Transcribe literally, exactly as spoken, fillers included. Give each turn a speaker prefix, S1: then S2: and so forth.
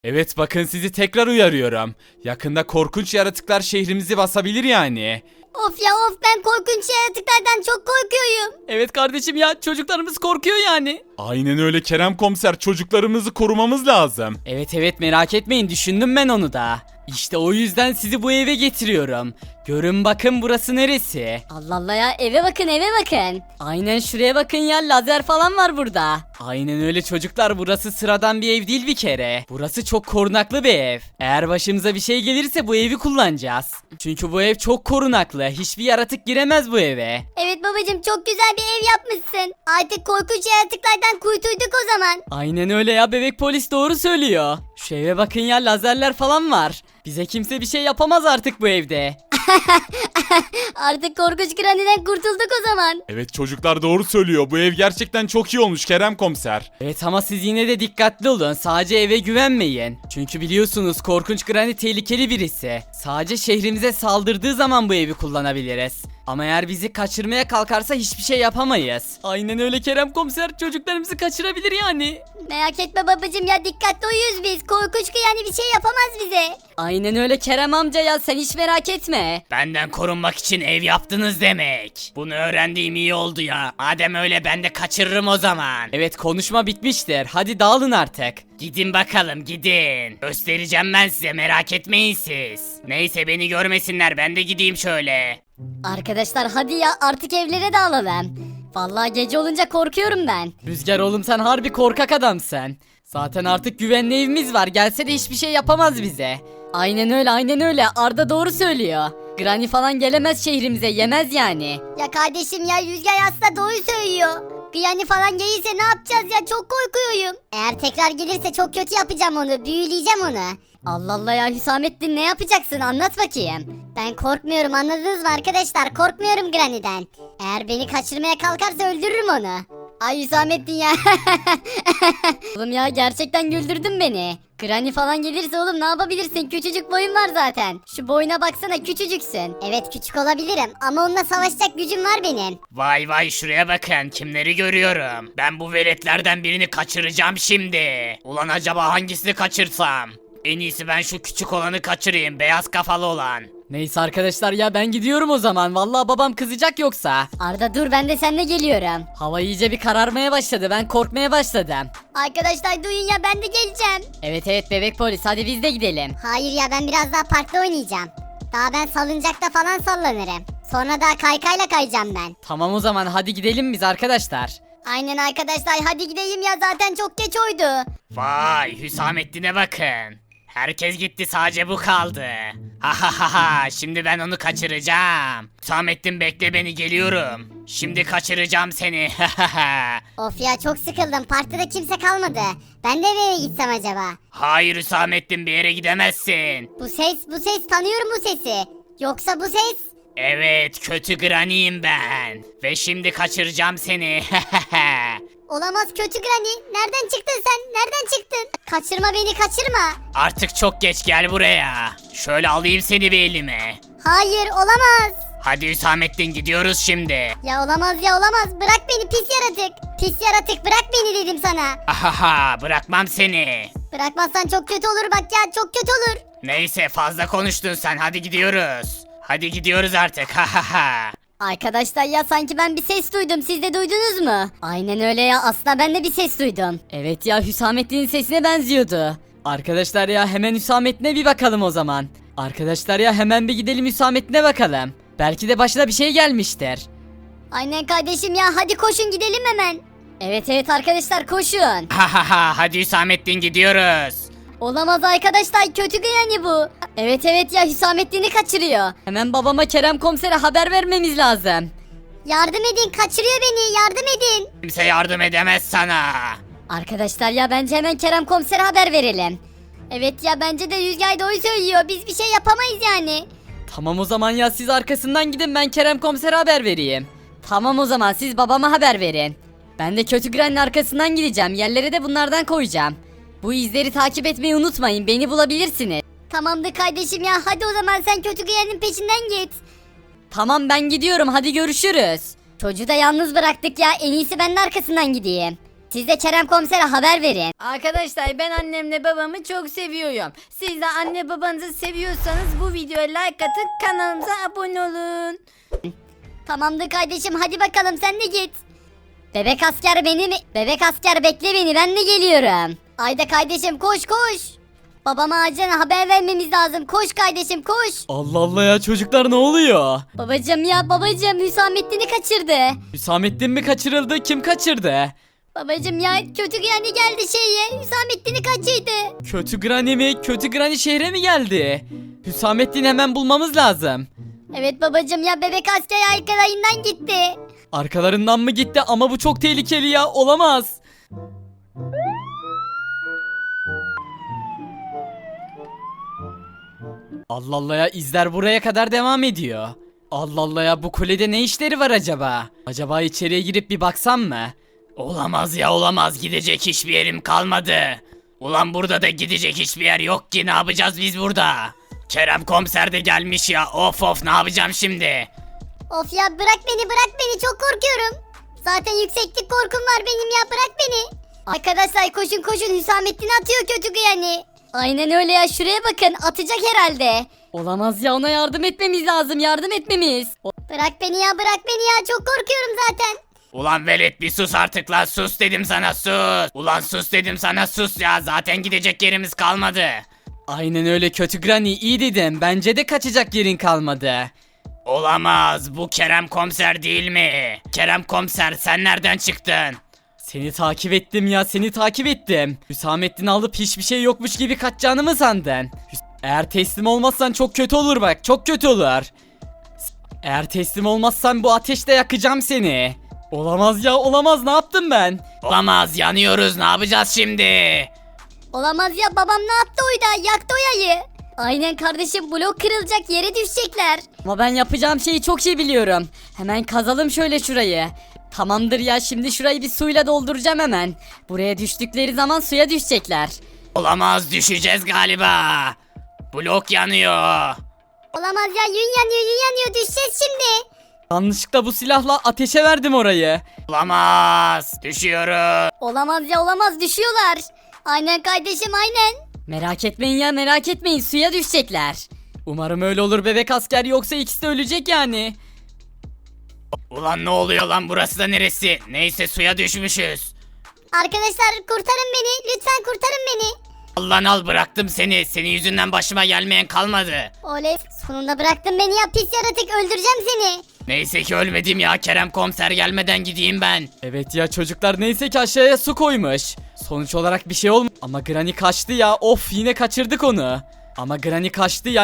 S1: Evet bakın sizi tekrar uyarıyorum. Yakında korkunç yaratıklar şehrimizi basabilir yani.
S2: Of ya of, ben korkunç yaratıklardan çok korkuyorum.
S3: Evet kardeşim ya, çocuklarımız korkuyor yani.
S1: Aynen öyle Kerem komiser, çocuklarımızı korumamız lazım.
S3: Evet evet, merak etmeyin, düşündüm ben onu da. İşte o yüzden sizi bu eve getiriyorum. Görün bakın, burası neresi?
S2: Allah Allah ya, eve bakın eve bakın.
S3: Aynen şuraya bakın ya, lazer falan var burada. Aynen öyle çocuklar, burası sıradan bir ev değil bir kere. Burası çok korunaklı bir ev. Eğer başımıza bir şey gelirse bu evi kullanacağız. Çünkü bu ev çok korunaklı. Hiçbir yaratık giremez bu eve.
S2: Evet babacım, çok güzel bir ev yapmışsın. Artık korkunç yaratıklardan kurtulduk o zaman.
S3: Aynen öyle ya, bebek polis doğru söylüyor. Şu eve bakın ya, lazerler falan var. Bize kimse bir şey yapamaz artık bu evde.
S2: Artık korkunç Granny'den kurtulduk o zaman.
S1: Evet çocuklar doğru söylüyor. Bu ev gerçekten çok iyi olmuş Kerem komiser.
S3: Evet ama siz yine de dikkatli olun. Sadece eve güvenmeyin. Çünkü biliyorsunuz korkunç Granny tehlikeli birisi. Sadece şehrimize saldırdığı zaman bu evi kullanabiliriz. Ama eğer bizi kaçırmaya kalkarsa hiçbir şey yapamayız. Aynen öyle Kerem komiser, çocuklarımızı kaçırabilir yani.
S2: Merak etme babacım ya, dikkatli uyuyoruz biz. Korkunç Granny bir şey yapamaz bize.
S3: Aynen öyle Kerem amca ya, sen hiç merak etme.
S4: Benden korunmak için ev yaptınız demek. Bunu öğrendiğim iyi oldu ya. Madem öyle ben de kaçırırım o zaman.
S3: Evet, konuşma bitmiştir. Hadi dağılın artık.
S4: Gidin bakalım gidin. Göstereceğim ben size, merak etmeyin siz. Neyse beni görmesinler, ben de gideyim şöyle.
S2: Arkadaşlar hadi ya, artık evlere dağılalım. Vallahi gece olunca korkuyorum ben.
S3: Rüzgar oğlum, sen harbi korkak adamsın. Zaten artık güvenli evimiz var. Gelse de hiçbir şey yapamaz bize. Aynen öyle aynen öyle, Arda doğru söylüyor. Granny falan gelemez şehrimize, yemez yani.
S2: Ya kardeşim ya, Rüzgar aslında doğru söylüyor. Granny falan gelirse ne yapacağız ya, çok korkuyorum. Eğer tekrar gelirse çok kötü yapacağım onu, büyüleyeceğim onu. Allah Allah ya Hüsamettin, ne yapacaksın, anlat bakayım. Ben korkmuyorum, anladınız mı arkadaşlar, korkmuyorum Granny'den. Eğer beni kaçırmaya kalkarsa öldürürüm onu. Ay Hüsamettin ya. Oğlum ya, gerçekten güldürdün beni. Granny falan gelirse oğlum ne yapabilirsin? Küçücük boyun var zaten. Şu boyuna baksana, küçücüksün. Evet küçük olabilirim ama onunla savaşacak gücüm var benim.
S4: Vay vay, şuraya bakın, kimleri görüyorum. Ben bu veletlerden birini kaçıracağım şimdi. Ulan acaba hangisini kaçırsam? En iyisi ben şu küçük olanı kaçırayım, beyaz kafalı olan.
S3: Neyse arkadaşlar ya, ben gidiyorum o zaman. Vallahi babam kızacak yoksa.
S2: Arda dur, ben de seninle geliyorum.
S3: Hava iyice bir kararmaya başladı. Ben korkmaya başladım.
S2: Arkadaşlar duyun ya, ben de geleceğim.
S3: Evet evet bebek polis, hadi biz de gidelim.
S2: Hayır ya, ben biraz daha parkta oynayacağım. Daha ben salıncakta falan sallanırım. Sonra da kaykayla kayacağım ben.
S3: Tamam o zaman, hadi gidelim biz arkadaşlar.
S2: Aynen arkadaşlar, hadi gideyim ya, zaten çok geç oydu.
S4: Vay, Hüsamettin'e bakın. Herkes gitti, sadece bu kaldı. Ha ha ha ha, şimdi ben onu kaçıracağım. Hüsamettin bekle beni, geliyorum. Şimdi kaçıracağım seni. Ha ha ha.
S2: Of ya, çok sıkıldım, parkta da kimse kalmadı. Ben de eve gitsem acaba?
S4: Hayır Hüsamettin, bir yere gidemezsin.
S2: Bu ses, bu ses, tanıyorum bu sesi. Yoksa bu ses?
S4: Evet, kötü Granny'im ben. Ve şimdi kaçıracağım seni.
S2: Olamaz kötü Granny. Nereden çıktın sen? Nereden çıktın? Kaçırma beni, kaçırma.
S4: Artık çok geç, gel buraya. Şöyle alayım seni bir elime.
S2: Hayır, olamaz.
S4: Hadi Hüsamettin, gidiyoruz şimdi.
S2: Ya olamaz ya olamaz. Bırak beni pis yaratık. Pis yaratık, bırak beni dedim sana.
S4: Ahaha, bırakmam seni.
S2: Bırakmazsan çok kötü olur bak ya, çok kötü olur.
S4: Neyse, fazla konuştun sen, hadi gidiyoruz. Hadi gidiyoruz artık. Ha ha ha.
S2: Arkadaşlar ya, sanki ben bir ses duydum, siz de duydunuz mu? Aynen öyle ya, aslında ben de bir ses duydum.
S3: Evet ya, Hüsamettin'in sesine benziyordu. Arkadaşlar ya, hemen Hüsamettin'e bir bakalım o zaman. Arkadaşlar ya, hemen bir gidelim Hüsamettin'e bakalım. Belki de başına bir şey gelmiştir.
S2: Aynen kardeşim ya, hadi koşun gidelim hemen. Evet evet arkadaşlar, koşun.
S4: Ha ha ha, hadi Hüsamettin, gidiyoruz.
S2: Olamaz arkadaşlar, kötü Granny bu. Evet evet ya, Hüsamettin'i kaçırıyor.
S3: Hemen babama Kerem komisere haber vermemiz lazım.
S2: Yardım edin, kaçırıyor beni, yardım edin.
S4: Kimse yardım edemez sana.
S2: Arkadaşlar ya, bence hemen Kerem komisere haber verelim. Evet ya, bence de Rüzgar doğru söylüyor, biz bir şey yapamayız yani.
S3: Tamam o zaman ya, siz arkasından gidin, ben Kerem komisere haber vereyim. Tamam o zaman, siz babama haber verin. Ben de kötü Granny'nin arkasından gideceğim, yerlere de bunlardan koyacağım. Bu izleri takip etmeyi unutmayın, beni bulabilirsiniz.
S2: Tamamdır kardeşim ya, hadi o zaman sen kötü Granny'nin peşinden git.
S3: Tamam ben gidiyorum, hadi görüşürüz.
S2: Çocuğu da yalnız bıraktık ya, en iyisi ben de arkasından gideyim. Siz de Kerem komisere haber verin.
S5: Arkadaşlar ben annemle babamı çok seviyorum. Siz de anne babanızı seviyorsanız bu videoya like atın, kanalımıza abone olun.
S2: Tamamdır kardeşim, hadi bakalım sen de git. Bebek asker beni mi? Bebek asker bekle beni, ben de geliyorum. Ayda kardeşim koş koş. Babama acilen haber vermemiz lazım. Koş kardeşim koş.
S3: Allah Allah ya çocuklar ne oluyor?
S2: Babacım ya babacım, Hüsamettin'i kaçırdı.
S3: Hüsamettin mi kaçırıldı? Kim kaçırdı?
S2: Babacım ya kötü yani geldi şeye. Hüsamettin'i kaçırdı.
S3: Kötü Granny mi? Kötü Granny şehre mi geldi? Hüsamettin'i hemen bulmamız lazım.
S2: Evet babacım ya, bebek asker arkalarından gitti.
S3: Arkalarından mı gitti ama bu çok tehlikeli ya, olamaz. Allah Allah ya, izler buraya kadar devam ediyor. Allah Allah ya, bu kulede ne işleri var acaba? Acaba içeriye girip bir baksam mı?
S4: Olamaz ya olamaz, gidecek hiçbir yerim kalmadı. Ulan burada da gidecek hiçbir yer yok ki, ne yapacağız biz burada? Kerem komiser de gelmiş ya, of of, ne yapacağım şimdi?
S2: Of ya, bırak beni bırak beni, çok korkuyorum. Zaten yükseklik korkum var benim ya, bırak beni. Arkadaşlar koşun koşun, Hüsamettin atıyor kötü yani. Aynen öyle ya, şuraya bakın, atacak herhalde.
S5: Olamaz ya, ona yardım etmemiz lazım, yardım etmemiz.
S2: Bırak beni ya bırak beni ya, çok korkuyorum zaten.
S4: Ulan velet bir sus artık lan, sus dedim sana, sus. Ulan sus dedim sana, sus ya, zaten gidecek yerimiz kalmadı.
S3: Aynen öyle kötü Granny, iyi dedim. Bence de kaçacak yerin kalmadı.
S4: Olamaz, bu Kerem komiser değil mi? Kerem komiser, sen nereden çıktın?
S3: Seni takip ettim ya, seni takip ettim. Hüsamettin'i alıp hiçbir şey yokmuş gibi kaçacağını mı sandın? Hüs- Eğer teslim olmazsan çok kötü olur bak, çok kötü olur. Eğer teslim olmazsan bu ateşte yakacağım seni. Olamaz ya, olamaz, ne yaptım ben?
S4: Olamaz, yanıyoruz, ne yapacağız şimdi?
S2: Olamaz ya, babam ne yaptı oyda, yaktı o yayı. Aynen kardeşim, blok kırılacak, yere düşecekler.
S5: Ama ben yapacağım şeyi çok iyi biliyorum. Hemen kazalım şöyle şurayı. Tamamdır ya, şimdi şurayı bir suyla dolduracağım hemen. Buraya düştükleri zaman suya düşecekler.
S4: Olamaz, düşeceğiz galiba. Blok yanıyor.
S2: Olamaz ya, yün yanıyor yün yanıyor, düşeceğiz şimdi.
S3: Yanlışlıkla bu silahla ateşe verdim orayı.
S4: Olamaz, düşüyoruz.
S2: Olamaz ya olamaz, düşüyorlar. Aynen kardeşim aynen.
S5: Merak etmeyin ya, merak etmeyin, suya düşecekler.
S3: Umarım öyle olur bebek asker, yoksa ikisi de ölecek yani.
S4: Ulan ne oluyor lan, burası da neresi? Neyse, suya düşmüşüz.
S2: Arkadaşlar kurtarın beni, lütfen kurtarın beni.
S4: Allah'ın al, bıraktım seni. Senin yüzünden başıma gelmeyen kalmadı.
S2: Oley, sonunda bıraktın beni ya, pis yaratık, öldüreceğim seni.
S4: Neyse ki ölmedim ya, Kerem komiser gelmeden gideyim ben.
S3: Evet ya çocuklar, neyse ki aşağıya su koymuş. Sonuç olarak bir şey olmadı. Ama Granny kaçtı ya, of, yine kaçırdık onu. Ama Granny kaçtı ya.